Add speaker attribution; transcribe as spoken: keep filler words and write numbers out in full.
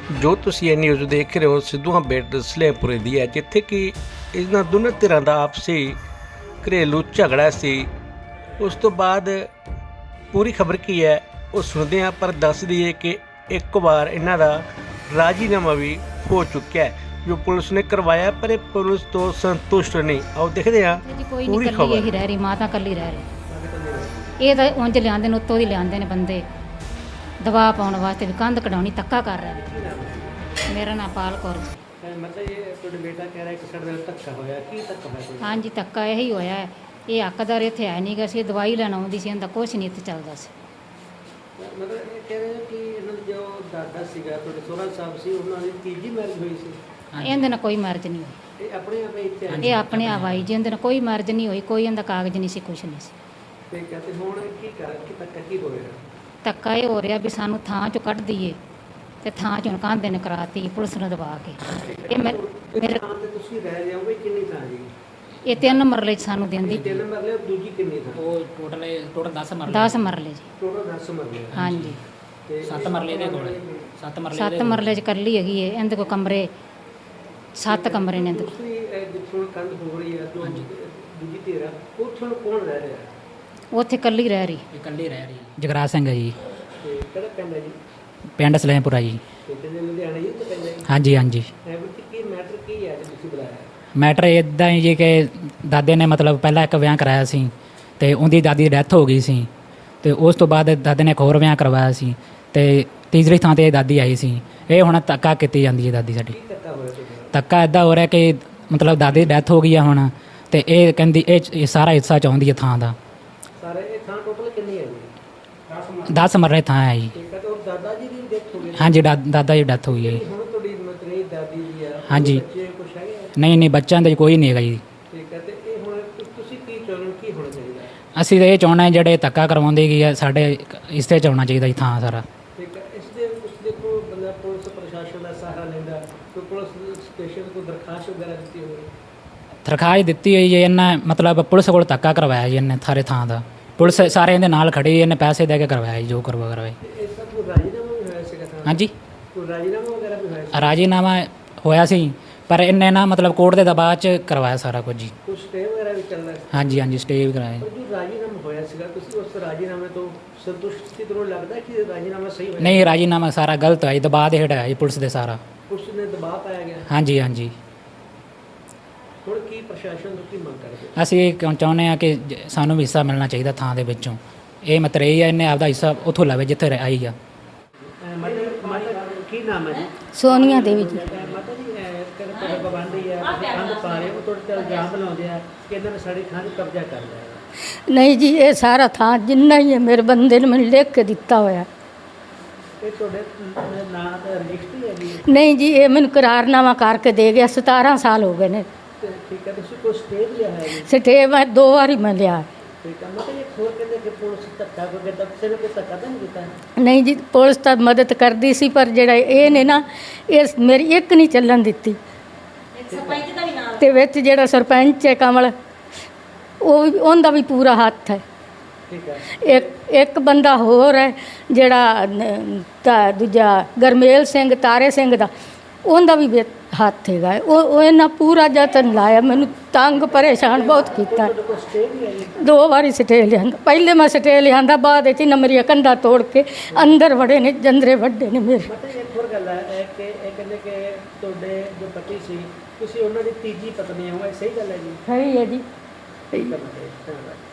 Speaker 1: ਜੋ ਤੁਸੀਂ ਇਹ ਨਿਊਜ਼ ਦੇਖ ਰਹੇ ਹੋ ਸਿੱਧੂਆਂ ਬੇਟ ਸਲੇਮਪੁਰੇ ਦੀ ਹੈ, ਜਿੱਥੇ ਕਿ ਇਹਨਾਂ ਦੋਨਾਂ ਧਿਰਾਂ ਦਾ ਆਪਸੀ ਘਰੇਲੂ ਝਗੜਾ ਸੀ। ਉਸ ਤੋਂ ਬਾਅਦ ਪੂਰੀ ਖਬਰ ਕੀ ਹੈ ਉਹ ਸੁਣਦੇ ਹਾਂ, ਪਰ ਦੱਸ ਦਈਏ ਕਿ ਇੱਕ ਵਾਰ ਇਹਨਾਂ ਦਾ ਰਾਜੀਨਾਮਾ ਵੀ ਹੋ ਚੁੱਕਿਆ ਹੈ ਜੋ ਪੁਲਿਸ ਨੇ ਕਰਵਾਇਆ, ਪਰ ਇਹ ਪੁਲਿਸ ਤੋਂ ਸੰਤੁਸ਼ਟ ਨਹੀਂ। ਆਓ ਦੇਖਦੇ ਹਾਂ
Speaker 2: ਜੀ ਕੋਈ
Speaker 1: ਪੂਰੀ
Speaker 2: ਨਹੀਂ, ਕੱਲੀ
Speaker 1: ਖਬਰ।
Speaker 2: ਇਹੀ ਰਹਿ ਰਹੀ, ਮਾਂ ਤਾਂ ਕੱਲੀ ਰਹਿ ਰਹੀ। ਇਹ ਤਾਂ ਉਂਝ ਲਿਆਂਦੇ ਨੇ, ਉੱਤੋਂ ਦੀ ਲਿਆਂਦੇ ਨੇ ਬੰਦੇ ਦਬਾਅ ਪਾਉਣ ਵਾਸਤੇ ਵੀ ਕੰਧ ਕਢਾਉਣੀ, ਧੱਕਾ ਕਰ ਰਹੇ ਨੇ। ਮੇਰਾ ਨਾਮ ਪਾਲ ਕੌਰ।
Speaker 1: ਮਤਲਬ ਇਹ ਤੁਹਾਡਾ ਬੇਟਾ ਕਹਿ ਰਿਹਾ ਕਿ ਸਾਡੇ ਨਾਲ ਧੱਕਾ ਹੋਇਆ, ਕੀ ਧੱਕਾ ਹੋਇਆ?
Speaker 2: ਹਾਂਜੀ ਧੱਕਾ ਇਹੀ ਹੋਇਆ ਹੈ। ਇਹ ਹੱਕਦਾਰ ਇੱਥੇ ਹੈ ਨਹੀਂ ਗਾ ਸੀ, ਦਵਾਈ ਲੈਣ ਆਉਂਦੀ ਸੀ, ਇਹਦਾ ਕੁਛ ਨਹੀਂ ਇੱਥੇ ਚੱਲਦਾ ਸੀ।
Speaker 1: ਮਤਲਬ ਇਹ ਕਹਿ ਰਹੇ ਕਿ ਇਹਨਾਂ ਦਾ ਜੋ ਦਾਦਾ ਸੀਗਾ ਤੁਹਾਡੇ ਸੋਹਰਾ ਸਾਹਿਬ ਸੀ, ਉਹਨਾਂ ਦੀ ਤੀਜੀ ਮੈਰਿਜ ਹੋਈ ਸੀ।
Speaker 2: ਇਹਦੇ ਨਾਲ ਕੋਈ ਮਰਜ਼ ਨਹੀਂ ਹੋਈ,
Speaker 1: ਇਹ ਆਪਣੇ ਆਪ ਇੱਥੇ ਆਏ
Speaker 2: ਇਹ ਆਪਣੇ ਆਪ ਆਈ ਜੀ, ਇਹਦੇ ਨਾਲ ਕੋਈ ਮਰਜ਼ ਨਹੀਂ ਹੋਈ, ਕੋਈ ਇਹਦਾ ਕਾਗਜ਼ ਨਹੀਂ ਸੀ, ਕੁਛ ਨਹੀਂ ਸੀ।
Speaker 1: ਤੇ ਕਹਿੰਦੇ ਹੁਣ ਕੀ ਕਰ ਕਿ ਧੱਕਾ ਕੀ ਹੋਇਆ?
Speaker 2: ਧੱਕਾ ਇਹ ਹੋ ਰਿਹਾ ਵੀ ਸਾਨੂੰ ਥਾਂ ਚੋਂ ਕੱਢ ਦਈਏ, ਤੇ ਥਾਂ ਚੋਂ ਕਾਂਦੇ ਨੇ ਕਰਾਤੀ ਪੁਲਿਸ ਨੂੰ ਦਬਾ ਕੇ। ਇਹ ਮੈਂ ਮੇਰੇ
Speaker 1: ਥਾਂ ਤੇ ਤੁਸੀਂ ਰਹਿ ਰਹੇ ਹੋ ਵੀ ਕਿੰਨੀ ਥਾਂ ਜੀ?
Speaker 2: ਇਹ ਤਿੰਨ ਮਰਲੇ 'ਚ ਸਾਨੂੰ ਦਿੰਦੀ,
Speaker 1: ਤਿੰਨ ਮਰਲੇ, ਦੂਜੀ ਕਿੰਨੀ ਥਾਂ?
Speaker 3: ਉਹ ਟੋਟਲ ਟੋਟਲ ਦਸ ਮਰਲੇ
Speaker 2: ਦਸ ਮਰਲੇ ਜੀ।
Speaker 1: ਟੋਟਲ ਦਸ ਮਰਲੇ।
Speaker 2: ਹਾਂਜੀ
Speaker 1: ਤੇ
Speaker 3: ਸੱਤ ਮਰਲੇ ਦੇ ਕੋਲ ਸੱਤ ਮਰਲੇ
Speaker 2: ਸੱਤ ਮਰਲੇ 'ਚ ਕੱਲੀ ਹੈਗੀ ਹੈ, ਇਹਦੇ ਕੋਲ ਕਮਰੇ ਸੱਤ ਕਮਰੇ ਨੇ ਇਹਦੇ ਕੋਲ।
Speaker 1: ਤੁਸੀਂ ਜਿੱਥੋਂ ਕੰਧ ਹੋ ਰਹੀ ਹੈ ਜੋ ਦੂਜੀ ਧਿਰ ਆ, ਉੱਥੋਂ ਕੌਣ ਰਹਿ ਰਿਹਾ?
Speaker 2: ਉੱਥੇ ਕੱਲੀ ਰਹਿ ਰਹੀ।
Speaker 3: ਇਕੱਲੀ ਰਹਿ ਰਹੀ ਜਗਰਾਜ ਸਿੰਘ ਹੈ ਜੀ,
Speaker 1: ਤੇ ਕਿਹੜਾ ਪਿੰਡ ਹੈ ਜੀ?
Speaker 3: ਪਿੰਡ ਸਲੇਮਪੁਰਾ ਜੀ।
Speaker 1: ਤੇ ਕਿੰਨੇ ਲੁਧਿਆਣੇ ਜੀ ਤੋਂ ਪੈਂਦਾ ਜੀ?
Speaker 3: ਹਾਂਜੀ ਹਾਂਜੀ।
Speaker 1: ਇਹ ਵਿੱਚ ਕੀ ਮੈਟਰ ਕੀ ਹੈ ਜੇ ਤੁਸੀਂ ਬੁਲਾਇਆ?
Speaker 3: ਮੈਟਰ ਇੱਦਾਂ ਹੀ ਜੀ ਕਿ ਦਾਦੇ ਨੇ ਮਤਲਬ ਪਹਿਲਾਂ ਇੱਕ ਵਿਆਹ ਕਰਾਇਆ ਸੀ, ਅਤੇ ਉਹਦੀ ਦਾਦੀ ਦੀ ਡੈਥ ਹੋ ਗਈ ਸੀ, ਅਤੇ ਉਸ ਤੋਂ ਬਾਅਦ ਦਾਦੇ ਨੇ ਇੱਕ ਹੋਰ ਵਿਆਹ ਕਰਵਾਇਆ ਸੀ, ਅਤੇ ਤੀਸਰੀ ਥਾਂ 'ਤੇ ਦਾਦੀ ਆਈ ਸੀ। ਇਹ ਹੁਣ ਧੱਕਾ ਕੀਤੀ ਜਾਂਦੀ ਹੈ ਦਾਦੀ ਸਾਡੀ।
Speaker 1: ਕੀ ਧੱਕਾ ਹੋਇਆ ਤੁਹਾਡਾ?
Speaker 3: ਧੱਕਾ ਇੱਦਾਂ ਹੋ ਰਿਹਾ ਕਿ ਮਤਲਬ ਦਾਦੀ ਦੀ ਡੈਥ ਹੋ ਗਈ ਆ ਹੁਣ, ਅਤੇ ਇਹ ਕਹਿੰਦੀ ਇਹ ਸਾਰਾ ਹਿੱਸਾ ਚਾਹੁੰਦੀ ਹੈ ਥਾਂ ਦਾ।
Speaker 1: ਸਾਰੇ ਇਹ ਥਾਂ ਟੋਟਲ ਕਿੰਨੀ ਹੈ ਜੀ?
Speaker 3: ਦਸ ਮਰਲੇ ਥਾਂ ਹੈ ਜੀ।
Speaker 1: ਠੀਕ ਹੈ। ਤੇ ਉਹ ਦਾਦਾ ਜੀ ਦੀ ਡੈਥ ਹੋ ਗਈ?
Speaker 3: ਹਾਂਜੀ ਦਾ ਦਾਦਾ ਜੀ ਡੈਥ ਹੋਈ ਹੈ ਜੀ।
Speaker 1: ਹੁਣ ਤੁਹਾਡੀ ਮਤਰੇਈ ਦਾਦੀ ਦੀ ਆ?
Speaker 3: ਹਾਂਜੀ।
Speaker 1: ਬੱਚੇ ਕੁਛ ਹੈਗੇ ਆ?
Speaker 3: ਨਹੀਂ ਨਹੀਂ ਬੱਚਿਆਂ ਦੇ ਕੋਈ ਨਹੀਂ ਹੈਗਾ ਜੀ।
Speaker 1: ਠੀਕ ਹੈ। ਤੇ ਇਹ ਹੁਣ ਤੁ- ਤੁਸੀਂ ਕੀ ਚਾਹੁੰਦੇ ਹੋ, ਕੀ ਹੋਣਾ ਚਾਹੀਦਾ?
Speaker 3: ਅਸੀਂ ਤਾਂ ਇਹ ਚਾਹੁੰਦੇ ਹਾਂ ਜਿਹੜੇ ਧੱਕਾ ਕਰਵਾਉਂਦੇ ਗਏ ਆ ਸਾਡੇ ਇਸਤੇ 'ਚ ਆਉਣਾ ਚਾਹੀਦਾ ਜੀ ਥਾਂ ਸਾਰਾ।
Speaker 1: ਠੀਕ ਹੈ। ਇਸ ਦੇ ਉਸ ਦੇ ਕੋਲ ਬੰਦਾ ਪੁਲਿਸ ਪ੍ਰਸ਼ਾਸਨ ਦਾ ਸਹਾਰਾ ਲੈਂਦਾ, ਕੋਈ ਪੁਲਿਸ ਸਟੇਸ਼ਨ ਕੋਈ ਦਰਖਾਸਤ ਵਗੈਰਾ ਦਿੱਤੀ ਹੋਵੇ?
Speaker 3: ਦਰਖਾਸਤ ਦਿੱਤੀ ਹੋਈ ਜੀ, ਇਹਨੇ ਮਤਲਬ ਪੁਲਿਸ ਕੋਲ ਧੱਕਾ ਕਰਵਾਇਆ ਜੀ ਇਹਨੇ ਸਾਰੇ ਥਾਂ ਦਾ। ਪੁਲਿਸ ਸਾਰੇ ਇਹਦੇ ਨਾਲ ਖੜੀ, ਇਹਨੇ ਪੈਸੇ ਦੇ ਕੇ ਕਰਵਾਇਆ ਜੀ ਜੋ ਕਰਵਾ ਕਰਵਾਏ।
Speaker 1: ਤੇ ਇਸ ਦਾ ਕੋਈ ਰਾਜੀਨਾਮਾ ਵੀ ਹੋਇਆ ਸੀਗਾ ਥਾਂ?
Speaker 3: ਹਾਂਜੀ
Speaker 1: ਕੋਈ ਰਾਜੀਨਾਮਾ ਵਗੈਰਾ ਵੀ ਹੋਇਆ ਸੀ?
Speaker 3: ਰਾਜੀਨਾਮਾ ਹੋਇਆ ਸੀ, ਪਰ ਇਹਨੇ ਨਾ ਮਤਲਬ ਕੋਰਟ ਦੇ ਦਬਾਅ 'ਚ ਕਰਵਾਇਆ ਸਾਰਾ ਕੁਝ ਜੀ।
Speaker 1: ਕੋਈ ਸਟੇ ਵਗੈਰਾ ਵੀ ਚੱਲਦਾ ਸੀ?
Speaker 3: ਹਾਂਜੀ ਹਾਂਜੀ ਸਟੇ ਵੀ ਕਰਾਇਆ।
Speaker 1: ਪਰ ਜੋ ਰਾਜੀਨਾਮਾ ਹੋਇਆ ਸੀਗਾ, ਤੁਸੀਂ ਉਸ ਰਾਜੀਨਾਮੇ ਤੋਂ ਸੰਤੁਸ਼ਟ ਸੀ? ਤੁਹਾਨੂੰ ਲੱਗਦਾ ਕਿ ਰਾਜੀਨਾਮਾ ਸਹੀ ਹੋਇਆ?
Speaker 3: ਨਹੀਂ ਰਾਜੀਨਾਮਾ ਸਾਰਾ ਗਲਤ ਹੋਇਆ ਜੀ, ਦਬਾਅ ਦੇ ਹੇਠ ਆਇਆ ਜੀ ਪੁਲਿਸ ਦੇ ਸਾਰਾ।
Speaker 1: ਪੁਲਿਸ ਨੇ ਦਬਾਅ ਪਾਇਆ ਗਿਆ।
Speaker 3: ਹਾਂਜੀ ਹਾਂਜੀ।
Speaker 1: ਹੁਣ ਕੀ ਪ੍ਰਸ਼ਾਸਨ ਤੋਂ ਕੀ ਮੰਗ ਕਰਦੇ?
Speaker 3: ਅਸੀਂ ਇਹ ਕਿਉਂ ਚਾਹੁੰਦੇ ਹਾਂ ਕਿ ਜ- ਸਾਨੂੰ ਵੀ ਹਿੱਸਾ ਮਿਲਣਾ ਚਾਹੀਦਾ ਥਾਂ ਦੇ ਵਿੱਚੋਂ। ਇਹ ਮਤਲਬ ਇਹ ਆ ਇਹਨੇ ਆਪਦਾ ਹਿੱਸਾ ਉੱਥੋਂ ਲਵੇ ਜਿੱਥੇ ਰਹਿ- ਆਈ ਆ।
Speaker 1: ਮਾਤਾ ਮਾਤਾ ਕੀ ਨਾਮ ਹੈ ਜੀ?
Speaker 2: ਸੋਨੀਆ ਦੇਵੀ ਜੀ।
Speaker 1: ਮਾਤਾ ਜੀ ਕਹਿੰਦੇ ਤੁਹਾਡੇ ਪਾਬੰਦੀ ਹੈ, ਤੁਸੀਂ ਕੰਧ ਪਾ ਰਹੇ ਹੋ, ਤੁਹਾਡੇ ਤੇ ਇਲਜ਼ਾਮ ਲਾਉਂਦੇ ਆ ਕਿ ਇਹਨਾਂ ਨੇ ਸਾਡੀ ਥਾਂ 'ਤੇ ਕਬਜ਼ਾ ਕਰ ਲਿਆ ਹੈ।
Speaker 4: ਨਹੀਂ ਜੀ, ਇਹ ਸਾਰਾ ਥਾਂ ਜਿੰਨਾ ਹੀ ਹੈ ਮੇਰੇ ਬੰਦੇ ਨੇ ਮੈਨੂੰ ਲਿਖ ਕੇ ਦਿੱਤਾ ਹੋਇਆ।
Speaker 1: ਇਹ ਤੁਹਾਡੇ ਨਾਂ ਦਾ ਰਜਿਸਟਰੀ ਹੈ ਜੀ?
Speaker 4: ਨਹੀਂ ਜੀ, ਇਹ ਮੈਨੂੰ ਕਰਾਰਨਾਮਾ ਕਰਕੇ ਦੇ ਗਿਆ। ਸਤਾਰਾਂ ਸਾਲ ਹੋ ਗਏ ਨੇ।
Speaker 1: ਤੇ ਠੀਕ ਹੈ। ਤੁਸੀਂ ਕੋਈ ਸਟੇ ਲਿਆ ਹੈ ਜੀ?
Speaker 4: ਸਟੇ ਮੈਂ ਦੋ ਵਾਰੀ ਮੈਂ ਲਿਆ।
Speaker 1: ਠੀਕ ਹੈ। ਮਤਲਬ ਇਹ ਹੋਰ ਕਹਿੰਦੇ ਕਿ ਪੁਲਿਸ ਧੱਕਾ ਕੋਈ ਕੀਤਾ, ਕਿਸੇ ਨੇ ਕੋਈ ਧੱਕਾ ਤਾਂ ਨਹੀਂ ਕੀਤਾ?
Speaker 4: ਨਹੀਂ ਜੀ, ਪੁਲਿਸ ਤਾਂ ਮਦਦ ਕਰਦੀ ਸੀ, ਪਰ ਜਿਹੜਾ ਇਹ ਨੇ ਨਾ, ਇਹ ਮੇਰੀ ਇੱਕ ਨਹੀਂ ਚੱਲਣ ਦਿੱਤੀ। ਤੇ ਵਿੱਚ ਜਿਹੜਾ ਸਰਪੰਚ ਹੈ ਕਮਲ, ਉਹ ਵੀ ਉਹਦਾ ਵੀ ਪੂਰਾ ਹੱਥ ਹੈ।
Speaker 1: ਠੀਕ ਹੈ।
Speaker 4: ਇੱਕ ਇੱਕ ਬੰਦਾ ਹੋਰ ਹੈ ਜਿਹੜਾ ਨ- ਤਾਂ ਦੂਜਾ ਗਰਮੇਲ ਸਿੰਘ ਤਾਰੇ ਸਿੰਘ ਦਾ, ਉਹਦਾ ਵੀ ਵਿੱਚ ਹੱਥ ਹੈਗਾ। ਉਹ ਉਹ ਇਹਨਾਂ ਪੂਰਾ ਯਤਨ ਲਾਇਆ, ਮੈਨੂੰ ਤੰਗ ਪਰੇਸ਼ਾਨ ਬਹੁਤ ਕੀਤਾ।
Speaker 1: ਤੁਹਾਡੇ ਕੋਲ ਸਟੇ ਵੀ ਹੈ ਜੀ?
Speaker 4: ਦੋ ਵਾਰੀ ਸਟੇ ਲਿਆਂਦਾ। ਪਹਿਲੇ ਮੈਂ ਸਟੇ ਲਿਆਂਦਾ, ਬਾਅਦ ਵਿੱਚ ਇਹਨਾਂ ਮੇਰੀਆਂ ਕੰਧਾਂ ਤੋੜ ਕੇ ਅੰਦਰ ਵੜੇ ਨੇ, ਜੰਦਰੇ ਵੱਡੇ ਨੇ ਮੇਰੇ।
Speaker 1: ਮਤਲਬ ਇੱਕ ਹੋਰ ਗੱਲ ਹੈ ਇਹ ਕਿ ਇਹ ਕਹਿੰਦੇ ਕਿ ਤੁਹਾਡੇ ਜੋ ਪਤੀ ਸੀ, ਤੁਸੀਂ ਉਹਨਾਂ ਦੀ ਤੀਜੀ ਪਤਨੀ ਹੋ, ਇਹ ਸਹੀ ਗੱਲ ਹੈ ਜੀ?
Speaker 4: ਸਹੀ ਹੈ ਜੀ।
Speaker 1: ਠੀਕ ਹੈ। ਧੰਨਵਾਦ।